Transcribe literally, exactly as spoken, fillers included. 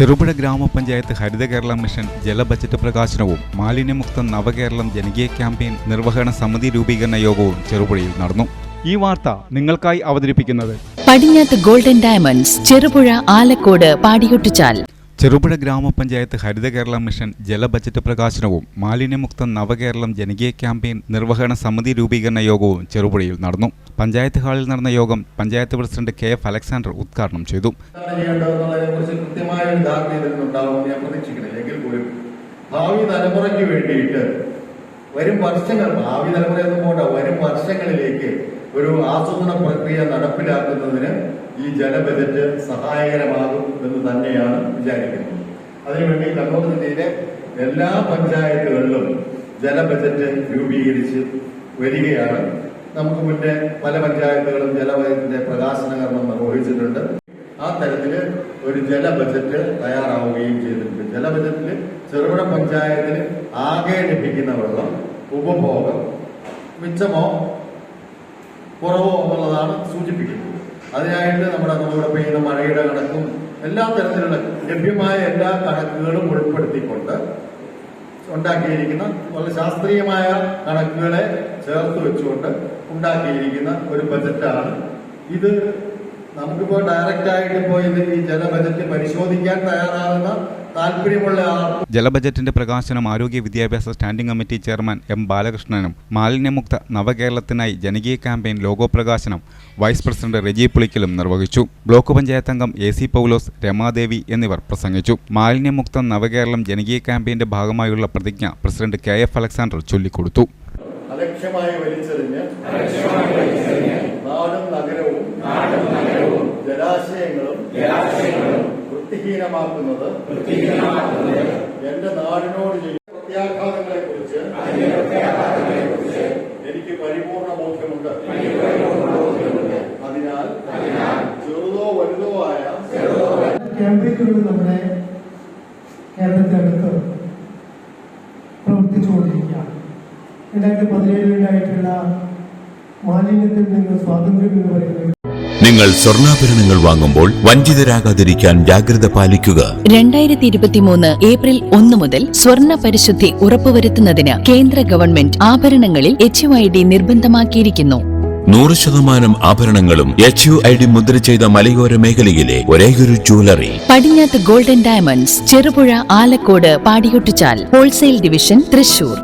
ചെറുപുഴ ഗ്രാമപഞ്ചായത്ത് ഹരിത കേരള മിഷൻ ജല ബജറ്റ് പ്രകാശനവും മാലിന്യമുക്ത നവകേരളം ജനകീയ ക്യാമ്പയിൻ നിർവഹണ സമിതി രൂപീകരണ യോഗവും ചെറുപുഴയിൽ നടന്നു. ഈ വാർത്ത നിങ്ങൾക്കായി അവതരിപ്പിക്കുന്നത് പടിഞ്ഞാത്ത് ഗോൾഡൻ ഡയമണ്ട്സ്, ചെറുപുഴ, ആലക്കോട്, പാടിയൊട്ടിച്ചാൽ. ചെറുപുഴ ഗ്രാമപഞ്ചായത്ത് ഹരിത കേരള മിഷൻ ജല ബജറ്റ് പ്രകാശനവും മാലിന്യമുക്ത നവകേരളം ജനകീയ ക്യാമ്പയിൻ നിർവഹണ സമിതി രൂപീകരണ യോഗവും ചെറുപുഴയിൽ നടന്നു. പഞ്ചായത്ത് ഹാളിൽ നടന്ന യോഗം panchayat president K F Alexander ഉദ്ഘാടനം ചെയ്തു. ഭാവി തലമുറയ്ക്ക് വേണ്ടിയിട്ട് വരും വർഷങ്ങൾ ഭാവി തലമുറ എന്നും പോണ്ട വരും വർഷങ്ങളിലേക്ക് ഒരു ആസൂത്രണ പ്രക്രിയ നടപ്പിലാക്കുന്നതിന് ഈ ജല ബജറ്റ് സഹായകരമാകും എന്ന് തന്നെയാണ് വിചാരിക്കുന്നത്. അതിനുവേണ്ടി കണ്ണൂർ ജില്ലയിലെ എല്ലാ പഞ്ചായത്തുകളിലും ജല ബജറ്റ് രൂപീകരിച്ച് വരികയാണ്. നമുക്ക് മുന്നേ പല പഞ്ചായത്തുകളും ജല ബജറ്റിന്റെ പ്രകാശന കർമ്മം നിർവഹിച്ചിട്ടുണ്ട്. ആ തരത്തില് ഒരു ജല ബജറ്റ് തയ്യാറാവുകയും ചെയ്തിട്ടുണ്ട്. ജല ബജറ്റിൽ ചെറുപുഴ പഞ്ചായത്തിന് ആകെ ലഭിക്കുന്ന വെള്ളം ഉപഭോഗം മിച്ചമോ കുറവോ എന്നുള്ളതാണ് സൂചിപ്പിക്കുന്നത്. അതിനായിട്ട് നമ്മുടെ നമ്മളിവിടെ പെയ്യുന്ന മഴയുടെ കണക്കും എല്ലാ തരത്തിലുള്ള ലഭ്യമായ എല്ലാ കണക്കുകളും ഉൾപ്പെടുത്തിക്കൊണ്ട് ഉണ്ടാക്കിയിരിക്കുന്ന വളരെ ശാസ്ത്രീയമായ കണക്കുകളെ ചേർത്ത് വെച്ചുകൊണ്ട് ഉണ്ടാക്കിയിരിക്കുന്ന ഒരു ബജറ്റാണ് ഇത്. നമുക്കിപ്പോ ഡയറക്റ്റ് ആയിട്ട് പോയി ഈ ജല ബജറ്റ് പരിശോധിക്കാൻ തയ്യാറാകുന്ന താല്പര്യമുള്ള ആൾ. ജലബജറ്റിന്റെ പ്രകാശനം ആരോഗ്യ വിദ്യാഭ്യാസ സ്റ്റാൻഡിംഗ് കമ്മിറ്റി ചെയർമാൻ എം ബാലകൃഷ്ണനും മാലിന്യമുക്ത നവകേരളത്തിനായി ജനകീയ ക്യാമ്പയിൻ ലോഗോ പ്രകാശനം വൈസ് പ്രസിഡന്റ് റെജി പുളിക്കലും നിർവഹിച്ചു. ബ്ലോക്ക് പഞ്ചായത്ത് അംഗം എ സി പൗലോസ്, രമാദേവി എന്നിവർ പ്രസംഗിച്ചു. മാലിന്യമുക്ത നവകേരളം ജനകീയ ക്യാമ്പയിന്റെ ഭാഗമായുള്ള പ്രതിജ്ഞ പ്രസിഡന്റ് കെ എഫ് അലക്സാണ്ടർ ചൊല്ലിക്കൊടുത്തു. അലക്ഷ്യമായി വലിച്ചെറിഞ്ഞ് നാടും നഗരവും ജലാശയങ്ങളും വൃത്തിഹീനമാക്കുന്നത് എന്റെ നാടിനോട് ചെയ്യുന്ന പ്രത്യാഘാതങ്ങളെ കുറിച്ച് എനിക്ക് പരിപൂർണ ബോധ്യമുണ്ട്. അതിനാൽ ചെറുതോ വലുതോ ആയ ക്യാമ്പയിനുകൾ നമ്മുടെ കേരളത്തിനകത്ത് പ്രവർത്തിച്ചുകൊണ്ടിരിക്കുകയാണ്. രണ്ടായിരത്തി പതിനേഴിലുണ്ടായിട്ടുള്ള മാലിന്യത്തിൽ നിന്ന് സ്വാതന്ത്ര്യം എന്ന് പറയുന്നത്. നിങ്ങൾ സ്വർണ്ണാഭരണങ്ങൾ വാങ്ങുമ്പോൾ വഞ്ചിതരാകാതിരിക്കാൻ ജാഗ്രത പാലിക്കുക. രണ്ടായിരത്തി ഇരുപത്തിമൂന്ന് ഏപ്രിൽ ഒന്ന് മുതൽ സ്വർണ്ണ പരിശുദ്ധി ഉറപ്പുവരുത്തുന്നതിന് കേന്ദ്ര ഗവൺമെന്റ് ആഭരണങ്ങളിൽ എച്ച് യു ഐ ഡി നിർബന്ധമാക്കിയിരിക്കുന്നു. നൂറ് ശതമാനം ആഭരണങ്ങളും എച്ച് യു ഐ ഡി മുദ്ര ചെയ്ത മലയോര മേഖലയിലെ ഒരേയൊരു ജ്വല്ലറി പടിഞ്ഞാത്ത് ഗോൾഡൻ ഡയമണ്ട്സ്, ചെറുപുഴ, ആലക്കോട്, പാടിയൊട്ടിച്ചാൽ. Wholesale division, Thrissur.